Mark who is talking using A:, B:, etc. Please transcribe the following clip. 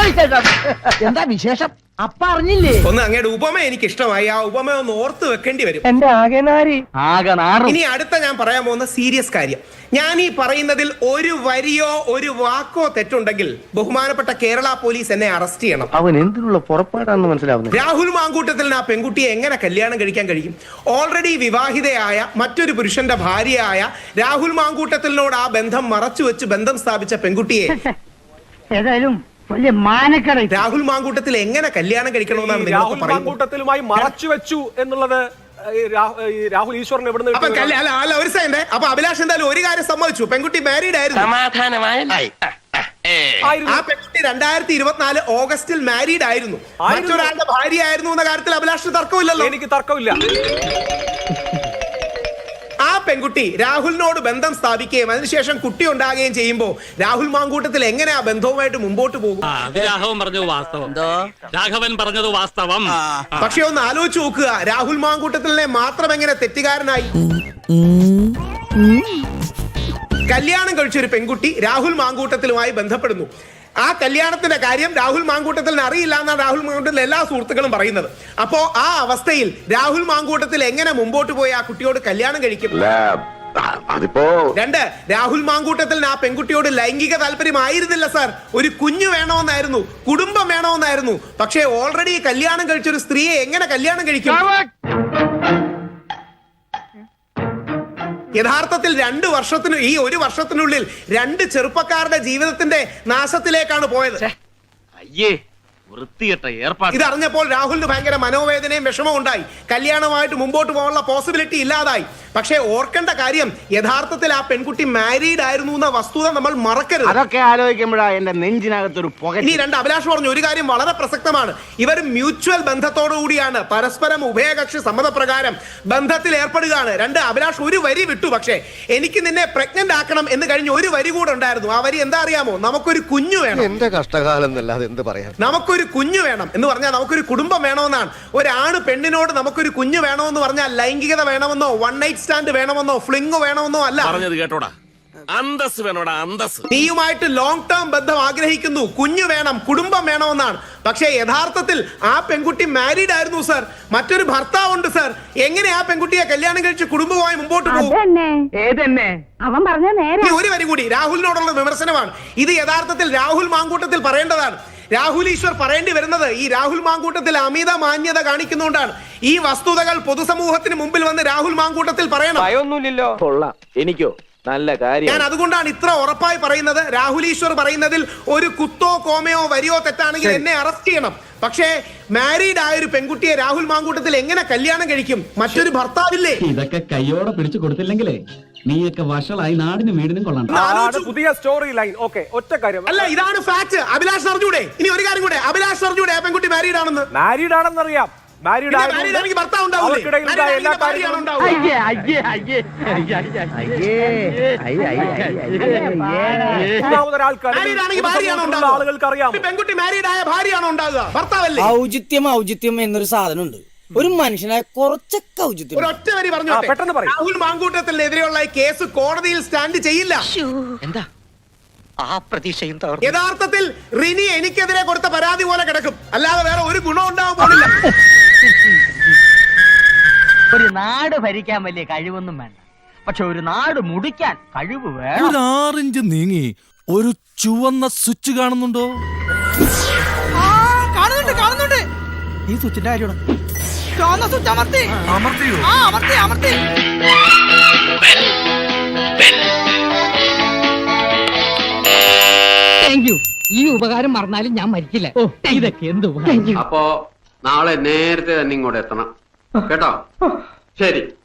A: എന്താ വിശേഷം? അപ്പ അറിഞ്ഞില്ലേ?
B: ഒന്ന് അങ്ങയുടെ ഉപമ എനിക്ക് ഇഷ്ടമായി. ആ ഉപമ ഒന്ന് ഓർത്ത് വെക്കേണ്ടി വരും.
A: എന്റെ ആകെ
B: ഇനി അടുത്ത ഞാൻ പറയാൻ പോകുന്ന സീരിയസ് കാര്യം. ഞാൻ ഈ പറയുന്നതിൽ ഒരു വരിയോ ഒരു വാക്കോ തെറ്റുണ്ടെങ്കിൽ ബഹുമാനപ്പെട്ട കേരള പോലീസ് എന്നെ അറസ്റ്റ് ചെയ്യണം.
A: അവൻ എന്തിനുള്ള പുറപ്പാടാണെന്ന് മനസ്സിലാവുന്നു.
B: രാഹുൽ മാങ്കൂട്ടത്തിൽ ആ പെൺകുട്ടിയെ എങ്ങനെ കല്യാണം കഴിക്കാൻ കഴിയും? ഓൾറെഡി വിവാഹിതയായ മറ്റൊരു പുരുഷന്റെ ഭാര്യയായ രാഹുൽ മാങ്കൂട്ടത്തിനോട് ആ ബന്ധം മറച്ചു വെച്ച് ബന്ധം സ്ഥാപിച്ച പെൺകുട്ടിയെ
C: ഏതായാലും വലിയ മാനക്കട.
B: രാഹുൽ മാങ്കൂട്ടത്തിൽ എങ്ങനെ കല്യാണം കഴിക്കണമെന്നാണ്
D: രാഹുൽ മാങ്കൂട്ടത്തിലുമായി മറച്ചു വെച്ചു എന്നുള്ളത് രാഹുൽ ഈശ്വരൻ എവിടുന്ന്?
B: ഒരു സെക്കൻഡ്. അപ്പൊ അഭിലാഷ് എന്തായാലും ഒരു കാര്യം സമ്മതിച്ചു, പെൺകുട്ടി മാരീഡ് ആയിരുന്നു. ആ പെൺകുട്ടി 2024 ഓഗസ്റ്റിൽ മാരീഡ് ആയിരുന്നു, മറ്റൊരാളുടെ ഭാര്യ ആയിരുന്നു എന്ന കാര്യത്തിൽ അഭിലാഷിന് തർക്കമില്ലല്ലോ.
D: എനിക്ക് തർക്കമില്ല.
B: ആ പെൺകുട്ടി രാഹുലിനോട് ബന്ധം സ്ഥാപിക്കുകയും അതിനുശേഷം കുട്ടി ഉണ്ടാകുകയും ചെയ്യുമ്പോൾ രാഹുൽ മാങ്കൂട്ടത്തിൽ എങ്ങനെ ആ ബന്ധവുമായിട്ട് മുമ്പോട്ട് പോകും?
E: രാഘവൻ പറഞ്ഞത് വാസ്തവം.
B: പക്ഷെ ഒന്ന് ആലോചിച്ച് നോക്കുക, രാഹുൽ മാങ്കൂട്ടത്തിലെ മാത്രം എങ്ങനെ തെറ്റുകാരനായി? കല്യാണം കഴിച്ചൊരു പെൺകുട്ടി രാഹുൽ മാങ്കൂട്ടത്തിലുമായി ബന്ധപ്പെടുന്നു. ആ കല്യാണത്തിന്റെ കാര്യം രാഹുൽ മാങ്കൂട്ടത്തിന് അറിയില്ല എന്നാണ് രാഹുൽ മാങ്കൂട്ടത്തിലെ എല്ലാ സുഹൃത്തുക്കളും പറയുന്നത്. അപ്പോ ആ അവസ്ഥയിൽ രാഹുൽ മാങ്കൂട്ടത്തിൽ എങ്ങനെ മുമ്പോട്ട് പോയി ആ കുട്ടിയോട് കല്യാണം കഴിക്കും? രണ്ട്, രാഹുൽ മാങ്കൂട്ടത്തിൽ ആ പെൺകുട്ടിയോട് ലൈംഗിക താല്പര്യമായിരുന്നില്ല സാർ, ഒരു കുഞ്ഞു വേണമെന്നായിരുന്നു, കുടുംബം വേണമെന്നായിരുന്നു. പക്ഷേ ഓൾറെഡി കല്യാണം കഴിച്ചൊരു സ്ത്രീയെ എങ്ങനെ കല്യാണം കഴിക്കും? യഥാർത്ഥത്തിൽ 2 വർഷത്തിന് ഈ 1 വർഷത്തിനുള്ളിൽ 2 ചെറുപ്പക്കാരുടെ ജീവിതത്തിന്റെ നാശത്തിലേക്കാണ് പോയത്. ഇതറിഞ്ഞപ്പോൾ രാഹുലിന് ഭയങ്കര മനോവേദനയും വിഷമവും ഉണ്ടായി. കല്യാണമായിട്ട് മുമ്പോട്ട് പോകാനുള്ള പോസിബിലിറ്റി ഇല്ലാതായി. പക്ഷേ ഓർക്കേണ്ട കാര്യം, യഥാർത്ഥത്തിൽ ആ പെൺകുട്ടി മാരീഡ് ആയിരുന്നു എന്ന വസ്തുത നമ്മൾ മറക്കരുത്.
A: അതൊക്കെ ആലോചിക്കുമ്പോഴാ എന്റെ നെഞ്ചിനകത്തൊരു പുക.
B: ഇനി 2, അഭിലാഷ് പറഞ്ഞു ഒരു കാര്യം വളരെ പ്രസക്തമാണ്. ഇവർ മ്യൂച്വൽ ബന്ധത്തോടു കൂടിയാണ്, പരസ്പരം ഉഭയകക്ഷി സമ്മതപ്രകാരം ബന്ധത്തിൽ ഏർപ്പെടുകയാണ്. 2, അഭിലാഷ് ഒരു വരി വിട്ടു. പക്ഷേ എനിക്ക് നിന്നെ പ്രഗ്നന്റ് ആക്കണം എന്ന് കഴിഞ്ഞ് ഒരു വരി കൂടെ ഉണ്ടായിരുന്നു. ആ വരി എന്താ അറിയാമോ? നമുക്കൊരു കുഞ്ഞു വേണം.
F: എന്റെ കഷ്ടകാലം എന്നല്ലാതെ എന്ത് പറയാം.
B: നമുക്കൊരു കുഞ്ഞു വേണം എന്ന് പറഞ്ഞാൽ നമുക്കൊരു കുടുംബം വേണമെന്നാണ്. ഒരാണ് പെണ്ണിനോട് നമുക്കൊരു കുഞ്ഞു വേണമെന്ന് പറഞ്ഞാൽ ലൈംഗികത വേണമെന്നോ, വൺ നൈറ്റ് സ്റ്റാൻഡ് വേണമെന്നോ, ഫ്ലിംഗ് വേണമെന്നോ അല്ല.
E: പറഞ്ഞത് കേട്ടോടാ, അന്തസ് വേണോടാ, അന്തസ്.
B: നീയുമായിട്ട് ലോങ് ടേം ബന്ധം ആഗ്രഹിക്കുന്നു, കുഞ്ഞു വേണം, കുടുംബം വേണമെന്നാണ്. പക്ഷേ യഥാർത്ഥത്തിൽ ആ പെൺകുട്ടി മാരീഡ് ആയിരുന്നു സാർ, മറ്റൊരു ഭർത്താവുണ്ട് സാർ. എങ്ങനെ ആ പെൺകുട്ടിയെ കല്യാണം കഴിച്ച് കുടുംബമായി മുമ്പോട്ട് പോകും?
C: അവൻ പറഞ്ഞ നേരെ.
B: ഒരു വരി കൂടി, രാഹുലിനോടുള്ള വിമർശനമാണ് ഇത്. യഥാർത്ഥത്തിൽ രാഹുൽ മാങ്കൂട്ടത്തിൽ പറയേണ്ടതാണ്. രാഹുൽ ഈശ്വർ പറയേണ്ടി വരുന്നത് ഈ രാഹുൽ മാങ്കൂട്ടത്തിൽ അമിത മാന്യത കാണിക്കുന്നുകൊണ്ടാണ്. ഈ വസ്തുതകൾ പൊതുസമൂഹത്തിന് മുമ്പിൽ വന്ന് രാഹുൽ മാങ്കൂട്ടത്തിൽ പറയണം.
A: ഭയമൊന്നുമില്ലല്ലോ. കൊള്ളാം. എനിക്കോ നല്ല കാര്യം.
B: ഞാൻ അതുകൊണ്ടാണ് ഇത്ര ഉറപ്പായി പറയുന്നത്. രാഹുൽ ഈശ്വർ പറയുന്നതിൽ ഒരു കുത്തോ കോമയോ വരിയോ തെറ്റാണെങ്കിൽ എന്നെ അറസ്റ്റ് ചെയ്യണം. പക്ഷേ മാരീഡ് ആയ ഒരു പെൺകുട്ടിയെ രാഹുൽ മാങ്കൂട്ടത്തിൽ എങ്ങനെ കല്യാണം കഴിക്കും? മറ്റൊരു ഭർത്താവില്ലേ?
G: ഇതൊക്കെ കയ്യോടെ പിടിച്ചു കൊടുത്തില്ലെങ്കിലേ നീയൊക്കെ വഷളായി നാടിനും വീടിനും കൊള്ളണം.
D: പുതിയ സ്റ്റോറി ലൈൻ. ഓക്കെ, ഒറ്റ കാര്യം
B: അല്ല, ഇതാണ് ഫാക്ട്. അഭിലാഷ് അറിഞ്ഞൂടെ? ഇനി ഒരു കാര്യം കൂടെ, അഭിലാഷ് അറിഞ്ഞൂടെ ആ പെൺകുട്ടി മാരീഡ് ആണെന്ന്?
D: മാരീഡ് ആണെന്നറിയാം.
B: ഭർത്താവ്
D: ആളുകൾക്ക് അറിയാം.
B: പെൺകുട്ടി മാരീഡ് ആയ ഭാര്യയാണോ ഉണ്ടാകുക? ഭർത്താവല്ലേ?
H: ഔചിത്യം എന്നൊരു സാധനമുണ്ട്. ഒരു മനുഷ്യനായ കുറച്ചൊക്കെ ഔചിത്യം.
B: ഒറ്റ വരി പറഞ്ഞു,
D: പെട്ടെന്ന് പറയും.
B: രാഹുൽ മാങ്കൂട്ടത്തിനെതിരെയുള്ള കേസ് കോടതിയിൽ സ്റ്റാൻഡ് ചെയ്യില്ല.
A: എന്താ ആ പ്രതീക്ഷയും?
B: യഥാർത്ഥത്തിൽ റിനി എനിക്കെതിരെ കൊടുത്ത പരാതി പോലെ കിടക്കും, അല്ലാതെ വേറെ ഒരു ഗുണം ഉണ്ടാവാൻ പോണില്ല.
A: ഒരു നാട് ഭരിക്കാൻ വലിയ കഴിവൊന്നും വേണ്ട, പക്ഷെ ഒരു നാട് മുടിക്കാൻ കഴിവ് വേണം.
I: ഒരു 6 ഇഞ്ച് നീങ്ങി ഒരു ചുവന്ന സ്വിച്ച് കാണുന്നുണ്ടോ?
H: കാണുന്നുണ്ട്. ഈ സ്വിച്ചിന്റെ കാര്യമാണ്.
C: ഈ ഉപകാരം മറന്നാലും ഞാൻ മരിക്കില്ല. ഇതൊക്കെ എന്ത്.
J: അപ്പോ നാളെ നേരത്തെ തന്നെ ഇങ്ങോട്ട് എത്തണം കേട്ടോ? ശരി.